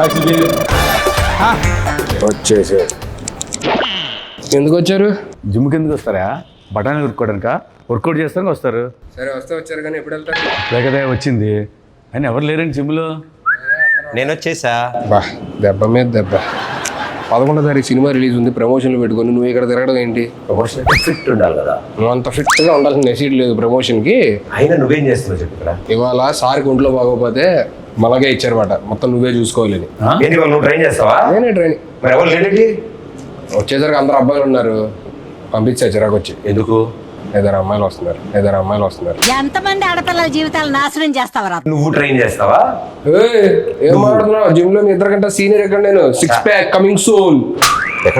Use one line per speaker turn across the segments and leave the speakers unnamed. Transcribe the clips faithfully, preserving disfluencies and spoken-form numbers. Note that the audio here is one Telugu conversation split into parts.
వచ్చేసి ఎందుకు వచ్చారు?
జిమ్కి ఎందుకు వస్తారా? బఠానీ ఉరుక్కోవడానిక? వర్కౌట్ చేస్తానికి వస్తారు.
సరే వస్తే వచ్చారు కానీ ఎప్పుడు వెళ్తారు?
లేకదే వచ్చింది అని ఎవరు లేరండి జిమ్లో.
నేను వచ్చేసా.
బా దెబ్బ మీద దెబ్బ. పదకొండో తారీఖు సినిమా రిలీజ్ ఉంది, ప్రమోషన్లు పెట్టుకొని నువ్వు ఇక్కడ తిరగడం ఏంటి?
ప్రమోషన్ ఫిట్ ఉండాలి కదా.
నువ్వు అంత ఫిట్గా ఉండాల్సిన నెసీడ్ లేదు ప్రమోషన్కి.
అయినా నువ్వేం చేస్తున్నావు చెప్పు ఇక్కడ.
ఇవాళ సార్కి ఒంట్లో బాగోపోతే మలగే ఇచ్చారన్నమాట, మొత్తం నువ్వే చూసుకోవాలని.
ఏంటి వాళ్ళు నువ్వు ట్రైన్ చేస్తావా?
నేనే ట్రైనింగ్.
మరి ఎవరు లేడండి?
వచ్చేసరికి అందరు అబ్బాయిలు ఉన్నారు, పంపించా చిరాకు వచ్చి.
ఎందుకు?
ఇద్దరు అమ్మాయిలు వస్తున్నారు, ఇద్దరు అమ్మాయిలు వస్తున్నారు.
ఎంతమంది ఆడపిల్లల జీవితాలు నాశనం చేస్తావరా?
నువ్వు ట్రైన్ చేస్తావా?
ఏం మాట్లాడుతున్నావు? జిమ్ లో మీ ఇద్దరు కంటే సీనియర్ ఎక్కడ? నేను సిక్స్ ప్యాక్ కమింగ్ సూన్.
ఎక్కడ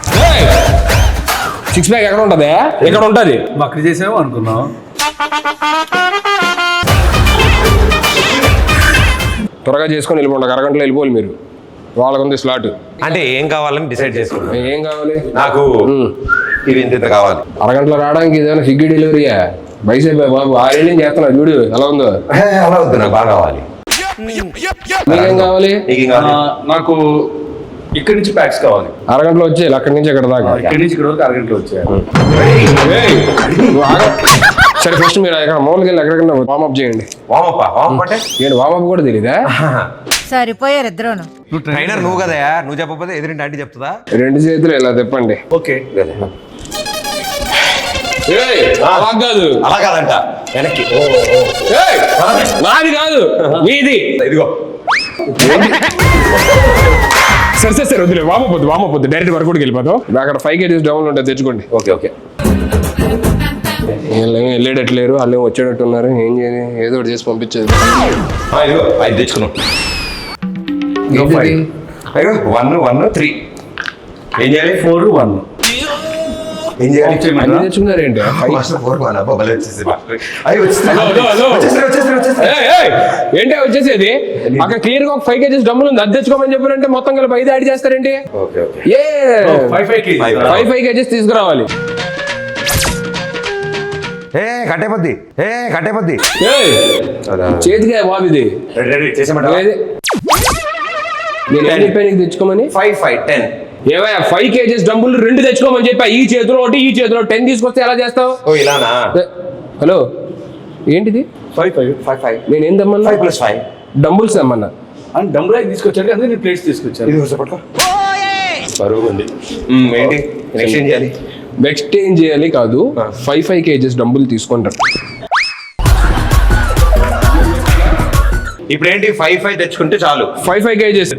సిక్స్ ప్యాక్ ఎక్కడ ఉంటది? ఎక్కడ ఉంటది?
అక్కడ చేసామో అనుకున్నాం.
త్వరగా చేసుకొని వెళ్ళిపోండి, అరగంటలో వెళ్ళిపోవాలి మీరు. వాళ్ళకు ఉంది స్లాట్.
అంటే ఏం కావాలని డిసైడ్ చేసుకున్నా.
ఏం కావాలి
నాకు? ఇది ఇంత ఇంత కావాలి.
అరగంటలో రావడానికి ఇదేమైనా సిగ్గి డెలివరీయా? బైసైప్ బాబు ఆరేళ్ళు చేస్తున్నా చూడు ఎలా ఉందో.
అలా వద్దు, నాకు బాగా కావాలి.
మీకేం కావాలి?
నీకేం కావాలి?
నాకు ఇక్కడి నుంచి ప్యాక్స్ కావాలి.
అరగంటలో వచ్చేయాలి అక్కడి నుంచి ఎక్కడ దాకా.
ఇక్కడి నుంచి ఇక్కడ వరకు అరగంటలో వచ్చాయి.
సరే ఫస్ట్ మీరు ఎక్కడ మామూలుగా వెళ్ళి ఎక్కడికన్నా వామప్ చేయండి.
వామప్ప వామప్ అంటే
నేను వామప్ కూడా తెలీదా?
సరిపోయారు ఇద్దరును.
ట్రైనర్ నువ్వు కదా, నువ్వు చెప్పకపోతే ఎదురింటి ఆంటీ చెప్తుందా?
రెండు చేతులు ఇలా తిప్పండి.
ఓకే
అలా కాదు,
అలా కాదంట వెనక్కి.
నాది కాదు మీది.
ఇదిగో
సరే సరే సరే వద్దులే, వామపోద్దు వామపోద్దు డైరెక్ట్ వర్కౌట్కి వెళ్ళిపోతాం. అక్కడ ఫైవ్ కేజీస్ డౌన్ ఉంటుంది, తెచ్చుకోండి.
Okay okay.
వెళ్ళేటట్లేరు, వాళ్ళు ఏం వచ్చేటట్టు ఉన్నారు. ఏం చేయాలి, ఏదో ఒకటి చేసి పంపించేది.
ఇదిగో ఐదు తెచ్చుకున్నాం. అయ్యో వన్ వన్ త్రీ. ఏం చేయాలి?
Four one.
ఏం చేయాలి?
అన్ని తెచ్చుకున్నారు ఏంటి? ఏంటి వచ్చేసేది? అక్కడ క్లియర్ గా ఒక ఫైవ్ కేజీస్ డబ్బులు ఉంది, అది తెచ్చుకోమని చెప్పారంటే మొత్తం కలిపి ఐదు యాడ్ చేస్తారేంటి? ఏ
ఫైవ్
ఫైవ్ ఫైవ్ కేజీస్ తీసుకురావాలి.
ఏ కట్టేపద్ది, ఏ కట్టేపద్ది.
చేతిగా బాబు ఇది నేను చెప్పాను తెచ్చుకోమని.
Five five ten.
ఏవయ్యా ఫైవ్ కేజీస్ డబ్బులు రెండు తెచ్చుకోమని చెప్పా. ఈ చేతిలో ఒకటి, ఈ చేతిలో టెన్ తీసుకొస్తే ఎలా చేస్తావు?
ఓ ఇలానా?
హలో ఏంటిది?
Five five
five five.
నేను ఏం తెమ్మన్నా?
ఫైవ్ ప్లస్ ఫైవ్
డంబుల్స్ తెమ్మన్నా.
అని డంబుల్ తీసుకొచ్చాడు కదా, నేను ప్లేట్స్ తీసుకొచ్చాను.
ఇది పట్టుకో. బరువు ఉంది. ఏంటి ఎక్స్చేంజ్ చేయాలి?
ఎక్స్చేంజ్ చేయాలి కాదు, ఫైవ్ ఫైవ్ కేజీస్ డబ్బులు తీసుకుంటారు.
ఇప్పుడు ఏంటి ఫైవ్ ఫైవ్ తెచ్చుకుంటే చాలు.
ఫైవ్ ఫైవ్ కేజీస్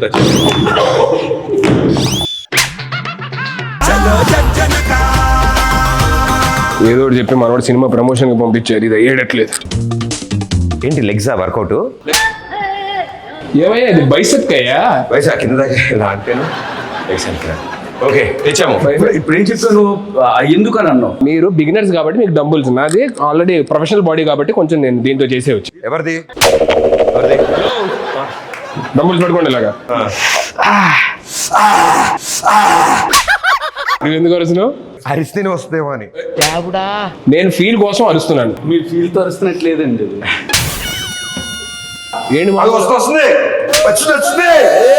ఏదో ఒకటి చెప్పి మనవాడు సినిమా ప్రమోషన్ కి పంపించారు. ఇది అయ్యేటట్లేదు.
ఏంటి లెగ్సా వర్కౌట్?
ఏమయ్యా ఇది బైసెప్ అయ్యా?
వయసు కింద దాకా అంటేను. ఓకే తెచ్చాము.
ఇప్పుడు ఏం చెప్తాను, ఎందుకు అని అన్నావు?
మీరు బిగినర్స్ కాబట్టి మీకు డంబుల్స్, నాది ఆల్రెడీ ప్రొఫెషనల్ బాడీ కాబట్టి కొంచెం నేను దీంతో చేసేవచ్చు.
ఎవరిది? ఎవరిది?
డంబుల్స్ పట్టుకోండి ఇలాగా. నువ్వు ఎందుకు అరుస్తున్నావు?
అరిస్తేనే వస్తుందేమో అని.
నేను ఫీల్ కోసం అరుస్తున్నాను.
మీరు ఫీల్ తో అరుస్తున్నట్లేదండి.
ఏంటి
అది వస్తూ వస్తుంది, వచ్చింది వచ్చింది.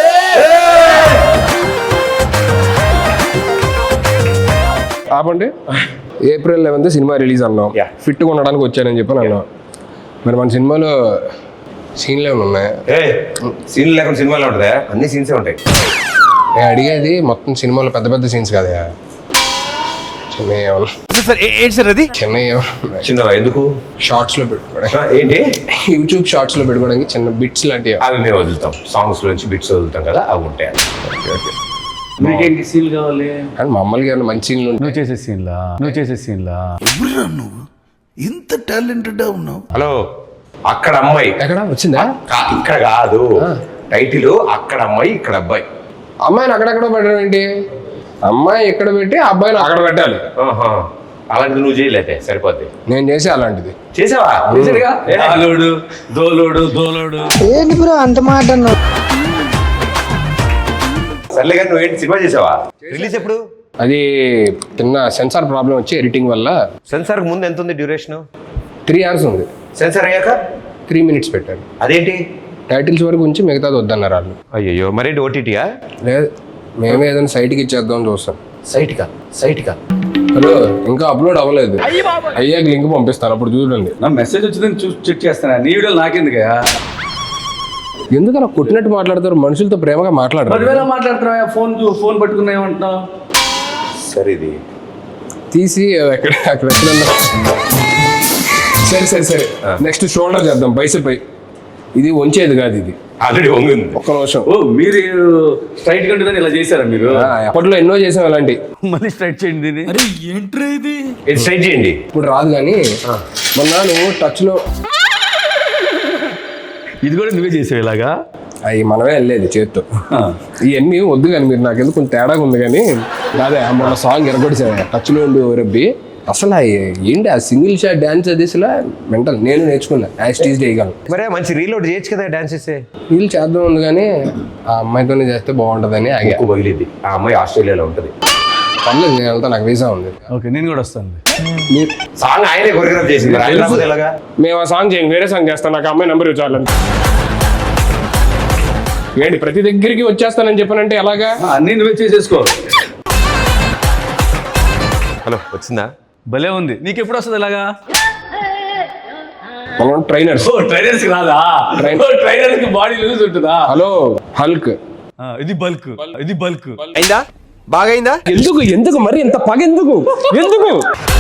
ఆపండి. ఏప్రిల్ లెవెన్త్ సినిమా రిలీజ్ అన్నాం, ఫిట్గా ఉండడానికి వచ్చానని చెప్పి అన్నాం. మరి మన సినిమాలో సీన్లు ఏమైనా ఉన్నాయా?
సీన్లు లేకుండా సినిమాలో ఉంటుందా? అన్ని సీన్సే ఉంటాయి.
నేను అడిగేది మొత్తం సినిమాలో పెద్ద పెద్ద సీన్స్ కదా, చిన్న
చిన్న చిన్న ఎందుకు
షార్ట్స్ లో పెట్టుకోవడానికి,
ఏంటి
యూట్యూబ్ షార్ట్స్ లో పెట్టుకోవడానికి చిన్న బిట్స్ లాంటివి
అవి మేము వదులుతాం. సాంగ్స్ నుంచి బిట్స్ వదులుతాం కదా, అవి ఉంటాయి.
మీకేంటి సీన్ కావాలి?
కానీ మమ్మల్ని ఏమైనా మంచి సీన్లు
నువ్వు చేసే సీన్లా? నువ్వు చేసే సీన్లా?
నువ్వు ఇంత టాలెంటెడ్ ఉన్నావు.
హలో, అక్కడ అమ్మాయి
ఎక్కడ వచ్చిందా?
ఇక్కడ కాదు టైటిల్, అక్కడ అమ్మాయి ఇక్కడ అబ్బాయి.
అమ్మాయిని అక్కడెక్కడ పెట్టడం ఏంటి? అమ్మాయి ఇక్కడ పెట్టి అబ్బాయిని అక్కడ పెట్టాలి.
అలాంటిది నువ్వు చేయలేదే సరిపోద్ది.
నేను చేసి అలాంటిది
చేసావా?
దోలోడు దోలోడు దోలోడు.
ఏంటి బ్రో అంత మాట అన్నావు?
సర్లే కానీ నువ్వేంటి సినిమా చేసావా? రిలీజ్ ఎప్పుడు?
అది చిన్న సెన్సార్ ప్రాబ్లం వచ్చి ఎడిటింగ్ వల్ల.
సెన్సార్ ముందు ఎంత ఉంది డ్యూరేషన్?
త్రీ అవర్స్ ఉంది.
సెన్సార్ అయ్యాక
త్రీ మినిట్స్ పెట్టారు.
అదేంటి
టైటిల్స్ వరకు ఉంచి మిగతాది వద్దన్నారు వాళ్ళు.
అయ్యో మరేంటి ఓటీటీయా?
లేదు మేమే ఏదైనా సైట్కి ఇచ్చేద్దాం చూస్తాం.
సైట్కా సైట్కా
హలో ఇంకా అప్లోడ్ అవ్వలేదు, అయ్యాక లింక్ పంపిస్తాను అప్పుడు చూడండి.
నా మెసేజ్ వచ్చిందని చూసి చెక్ చేస్తాను. నీ వీడియోలు నాకెందుకయ్యా?
ఎందుకు అలా కొట్టినట్టు మాట్లాడతారు? మనుషులతో ప్రేమగా మాట్లాడరు.
పదివేల మాట్లాడుతున్నావా? ఫోన్ ఫోన్ పట్టుకున్నా ఏమంటున్నావు?
సరే ఇది
తీసి అక్కడ అక్కడ ఎక్కడన్నా సరే సరే సరే నెక్స్ట్ షోల్డర్ చేద్దాం, బైసెప్ పై. ఇది వంచేది కాదు, ఇది
ఆల్రెడీ వంగింది.
ఒక్క నిమిషం.
ఓ మీరు స్ట్రైట్ గా ఉంటుందని ఇలా చేశారా మీరు?
ఆ, అప్పట్లో ఎన్నో చేసాం అలాంటి.
మళ్ళీ స్ట్రైట్ చేయండి దీన్ని.
ఇది స్ట్రైట్ చేయండి.
ఇప్పుడు రాదు కానీ మొన్న నువ్వు టచ్ లో
ఇది కూడా నువ్వే చేసావు ఇలాగా?
అవి మనమే వెళ్ళేది చేత్తో. ఇవన్నీ వద్దు కానీ మీరు నాకెందుకు కొంచెం తేడాగా ఉంది కానీ అదే మొన్న సాంగ్ ఎరగొడిసా టచ్ లో ఉండి రబ్బి. అసలు ఏంటి ఆ సింగిల్ షాట్ డాన్స్ అది అసలు మెంటల్. నేను నేర్చుకున్నా యాజ్ టీజ్ చేయగలను.
మరే మంచి రీలోడ్ చేయొచ్చు కదా డాన్స్ చేస్తే.
వీళ్ళు చేద్దాం ఉంది కానీ ఆ అమ్మాయితోనే చేస్తే బాగుంటుందని ఆగా.
ఎక్కువ పగిలిద్ది. ఆ అమ్మాయి ఆస్ట్రేలియాలో ఉంటుంది.
పర్లేదు నేను వెళ్తా, నాకు వీసా ఉంది.
ఓకే నేను కూడా వస్తాను.
మీరు
సాంగ్ ఆయనే కొరియోగ్రాఫ్ చేసింది. ఆయన రాకపోతే ఎలాగా?
మేము ఆ సాంగ్ చేయండి, వేరే సాంగ్ చేస్తాను. నాకు అమ్మాయి నెంబర్ ఇవ్వాలని ఏంటి ప్రతి దగ్గరికి వచ్చేస్తానని చెప్పానంటే ఎలాగా?
అన్నీ నువ్వే చేసేసుకో.
హలో వచ్చిందా?
భలే ఉంది. నీకు ఎప్పుడు వస్తుంది ఇలాగా?
మనం ట్రైనర్స్.
ఓ ట్రైనర్స్ కి రాదా? ట్రైనర్స్ కి బాడీ లూజ్ ఉంటుందా?
Hello hulk.
ఆ, ఇది బల్క్, ఇది బల్క్.
అయిందా? బాగా అయిందా?
ఎందుకు ఎందుకు మరి ఇంత పగ ఎందుకు ఎందుకు?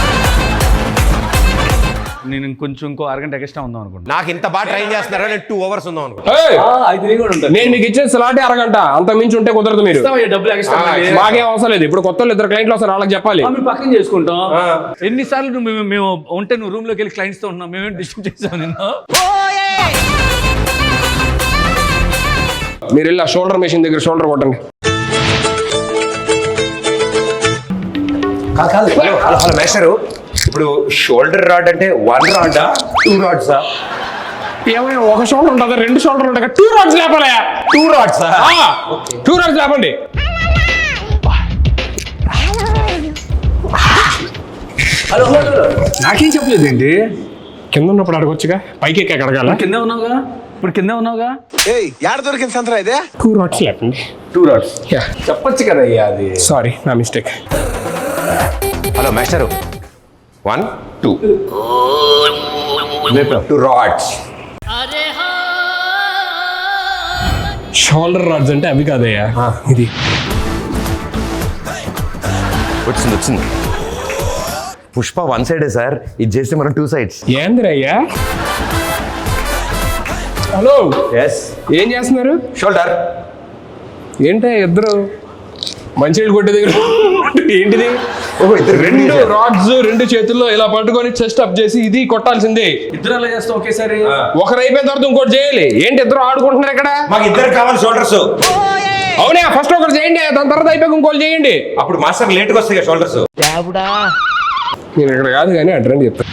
నేను ఇంకొంచెం ఇంకో అరగంట ఎక్స్ట్రా ఉందాం అనుకుంటా.
నాకు ఇంత బాగా ట్రైన్ చేస్తున్నారా? నేను టూ అవర్స్ ఉందాం అనుకుంటా.
ఏయ్!
అయితే నేను కూడా ఉంటాను.
నేను మీకు ఇచ్చే సలాటే అరగంట, అంత మించి ఉంటే కుదరదు. మీరు
ఇస్తావయ్యా డబ్బులు ఎక్స్ట్రా.
మాకేం అవసరం లేదు. ఇప్పుడు కొత్త వాళ్ళు ఇద్దరు క్లయింట్లు వస్తారు, వాళ్ళకి చెప్పాలి.
మేము పక్కన చేసుకుంటాం. ఎన్నిసార్లు నువ్వు మేము మేము ఉంటే నువ్వు రూమ్ లోకి వెళ్ళి క్లయింట్స్ తో ఉంటున్నావు. మేమేం డిస్టర్బ్ చేసావు నిన్ను?
మీరు వెళ్ళి ఆ షోల్డర్ మెషిన్ దగ్గర షోల్డర్ కొట్టండి.
కాదు కాదు హలో హలో హలో మేస్టరు, ఇప్పుడు షోల్డర్ రాడ్ అంటే వన్ రాడా టూ రాడ్సా?
ఏమైనా ఒక షోల్డర్ ఉంటుందా? రెండు షోల్డర్ ఉంటాయి. టూ రాడ్స్ లేపాలయా?
టూ రాడ్సా?
టూ రాడ్స్ లేపండి.
హలో హలో నాకేం చెప్పలేదు ఏంటి?
కింద ఉన్నప్పుడు అడగొచ్చుగా, పైకి ఎక్కి అడగాల.
కింద ఉన్నావుగా, ఇప్పుడు కింద ఉన్నావుగా.
టూ రాడ్స్ లేపండి.
టూ రాడ్స్ చెప్పొచ్చు కదా అయ్యా. అది
సారీ నా mistake.
Hello master, one two two rods.
Shoulder rods అంటే అవి కాదయ్యా, ఇది
వచ్చింది వచ్చింది. పుష్ప వన్ సైడే సార్, ఇది చేస్తే మనం టూ సైడ్స్.
ఏందిరయ్యా? హలో
ఎస్
ఏం చేస్తున్నారు?
షోల్డర్.
ఏంటో ఇద్దరు మంచినీళ్ళు కొట్టే దగ్గర ఏంటిది?
ఓహో ఇద్దరు
రెండు రాడ్స్ రెండు చేతుల్లో ఇలా పట్టుకొని చెస్ట్ అప్ చేసి ఇది కొట్టాల్సిందే.
ఇద్దరు అలా చేస్తాం ఒకేసారి.
ఒకరు అయిపోయిన తర్వాత ఇంకోటి చేయాలి. ఏంటి ఇద్దరు ఆడుకుంటున్నారు ఇక్కడ?
మాకు ఇద్దరు కావాలి షోల్డర్స్.
అవునా, ఫస్ట్ ఒకటి చేయండి, దాని తర్వాత అయిపోయి ఇంకోటి చేయండి.
అప్పుడు మాస్టర్ లేట్గా వస్తాయి షోల్డర్స్.
నేను ఇక్కడ కాదు కానీ అడ్రండి చెప్తాను.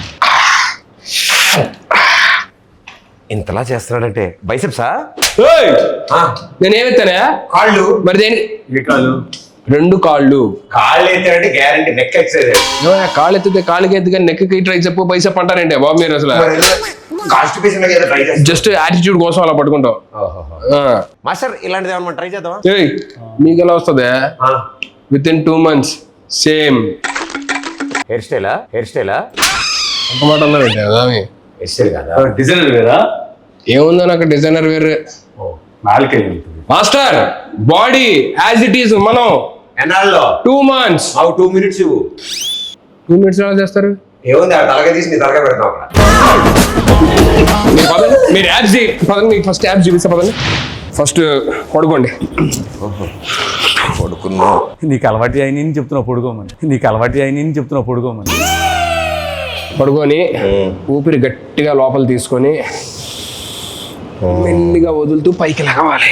ఇంతలా చేస్తున్నాడంటే బైసెప్సా?
నేను ఏమెత్తానా?
కాళ్ళు.
మరి దేని?
కాళ్ళు
రెండు కాళ్ళు.
కాళ్ళు ఎత్తాడంటే గ్యారంటీ నెక్ ఎక్సైజ్.
ఏమయ్యా, కాళ్ళు ఎత్తితే కాళ్ళకి ఎత్తి కానీ నెక్కి ట్రై చెప్పు పైసా పంటారంటే బాబు మీరు అసలు
కాన్స్టిపేషన్ ట్రై చేస్తాం.
జస్ట్ యాటిట్యూడ్ కోసం అలా పట్టుకుంటావు.
మాస్టర్ ఇలాంటిది ఏమన్నా ట్రై చేద్దామా?
ఏయ్, మీకు ఎలా వస్తుంది? Within two months same
hair style? Hair style?
ఒక మాట అన్నా పెట్టా.
హెయిర్ స్టైల్ కదా,
డిజైనర్ వేరా?
ఏముందో నాకు డిజైనర్ వేరే.
నాలుకే
master body as it is. మనం
ఎన్నాళ్ళలో?
Two months.
అవు టూ మినిట్స్ ఇవ్వు.
టూ మినిట్స్ ఎలా చేస్తారు?
ఏముంది ఆ తలగా తీసి నీ తలగా పెడతాం అక్కడ.
మీరు పదండి, మీరు యాప్స్ పదండి, మీకు ఫస్ట్ యాప్స్ చూపిస్తా పదండి. ఫస్ట్ పడుకోండి.
పడుకున్నా.
నీకు అలవాటు అయిన చెప్తున్నావు పడుకోమని. నీకు అలవాటు అయిన చెప్తున్నావు పడుకోమని.
పడుకొని ఊపిరి గట్టిగా లోపల తీసుకొని మెల్లిగా వదులుతూ పైకి లగవాలి.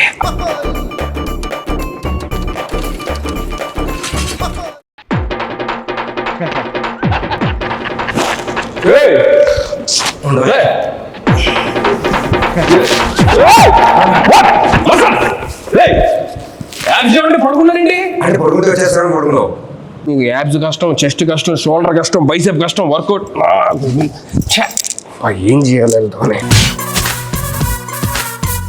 పడుకున్నారండి
అంటే పడుకుంటే వచ్చేస్తాను పడుకున్నావు.
మీకు యాబ్స్ కష్టం, చెస్ట్ కష్టం, షోల్డర్ కష్టం, బైసెప్ కష్టం, వర్కౌట్ ఏం చేయాలి?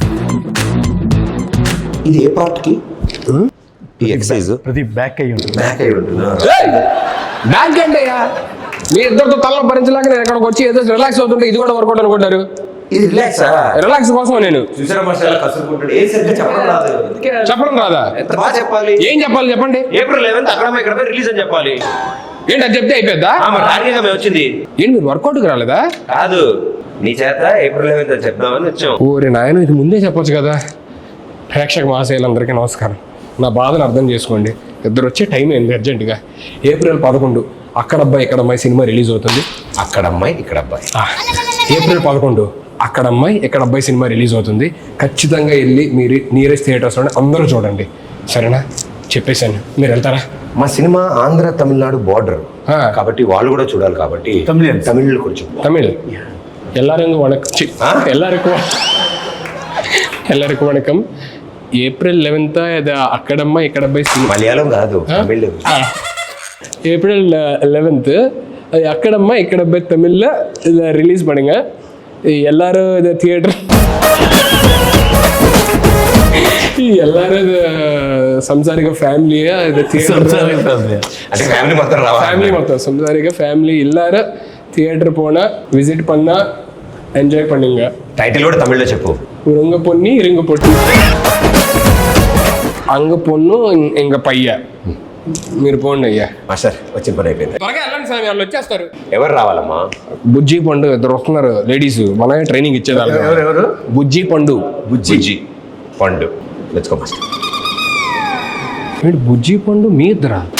ఇది ఏ పార్ట్ కి ఈ ఎక్సర్సైజ్
ప్రతి బ్యాక్ అయ్యి ఉంటుంది.
బ్యాక్ అయి ఉంటుందా?
బ్యాంక్ అంటే మీ ఇద్దరితో తల్ల భరించలేక నేను ఎక్కడికి వచ్చి ఏదో రిలాక్స్ అవుతుంటే ఇది కూడా వర్కౌట్ అనుకుంటారు.
ఇది రిలాక్స్
రిలాక్స్ కోసం నేను
చూసారా మాస్టర్ కసురుకుంటాడు. ఏ సరిగ్గా చెప్పడం రాదు. అందుకే
చెప్పడం రాదా?
ఎంత బాగా చెప్పాలి.
ఏం చెప్పాలి చెప్పండి.
ఏప్రిల్ లెవెన్త్ అక్కడ ఇక్కడ రిలీజ్ అని చెప్పాలి.
ఏంటి అది చెప్తే అయిపోద్దా?
టార్గెట్ మేము వచ్చింది
ఏంటి మీరు వర్కౌట్కి రాలేదా?
కాదు, నీ చేత ఏప్రిల్ లెవెన్త్ అని చెప్దామని వచ్చాం.
ఓరి నాయన ఇది ముందే చెప్పొచ్చు కదా. ప్రేక్షక మహాశయులందరికీ నమస్కారం. నా బాధను అర్థం చేసుకోండి. ఇద్దరు వచ్చే టైం అయింది అర్జెంటుగా. ఏప్రిల్ పదకొండు అక్కడ అబ్బాయి ఇక్కడ అమ్మాయి సినిమా రిలీజ్ అవుతుంది.
అక్కడ అమ్మాయి ఇక్కడ అబ్బాయి.
ఆ, ఏప్రిల్ పదకొండు అక్కడ అమ్మాయి ఇక్కడ అబ్బాయి సినిమా రిలీజ్ అవుతుంది. ఖచ్చితంగా వెళ్ళి మీరు నియరెస్ట్ థియేటర్స్లోనే అందరూ చూడండి, సరేనా? చెప్పేశాను, మీరు వెళ్తారా?
మా సినిమా ఆంధ్ర తమిళనాడు బార్డర్
ఆ.
కాబట్టి వాళ్ళు కూడా చూడాలి కాబట్టి
Tamilians.
తమిళ్ కొంచెం
தமிழ் எல்லாருக்கும் வணக்கம் சி,
ஆ?
எல்லாருக்கும் எல்லாருக்கும் வணக்கம். ఏప్రిల్ లెవెన్త్ ఇది అక్కడమ్మ ఇక్కడ అబ్బాయి సినిమా.
మలయాళం కాదు తమిళ్.
ஏப்ரல் லெவன்த்து அது அக்கடம்மா இக்கடப்பை தமிழில் இதை ரிலீஸ் பண்ணுங்க. எல்லாரும் இதை தியேட்டர் எல்லாரும் இது సంసారిక ఫ్యామిలీగా ఇది
అంటే ఫ్యామిలీ మొత్తం రావాలి.
ఫ్యామిలీ మొత్తం సంసారిక ఫ్యామిలీ எல்லாரும் தியேட்டர் போனால் விசிட் பண்ணால் ఎంజాయ్ பண்ணுங்க.
టైటిల్ కూడా తమిళ్లో చెప్పు.
உருங்க பொண்ணி இருங்க பொண்ணு అంగ పొన్ను ఇంక పయ్య మీరు పోండి అయ్యా.
మాస్టర్ వచ్చిన పని అయిపోయింది.
త్వరగా వెళ్ళండి సార్, వాళ్ళు వచ్చేస్తారు.
ఎవరు రావాలమ్మా?
బుజ్జి పండు ఇద్దరు వస్తున్నారు లేడీస్, మనమే ట్రైనింగ్ ఇచ్చేదాన్ని.
ఎవరు ఎవరు
బుజ్జి పండు.
బుజ్జి పండు. Let's go master.
ఏంటి బుజ్జి పండు మీ ఇద్దరా?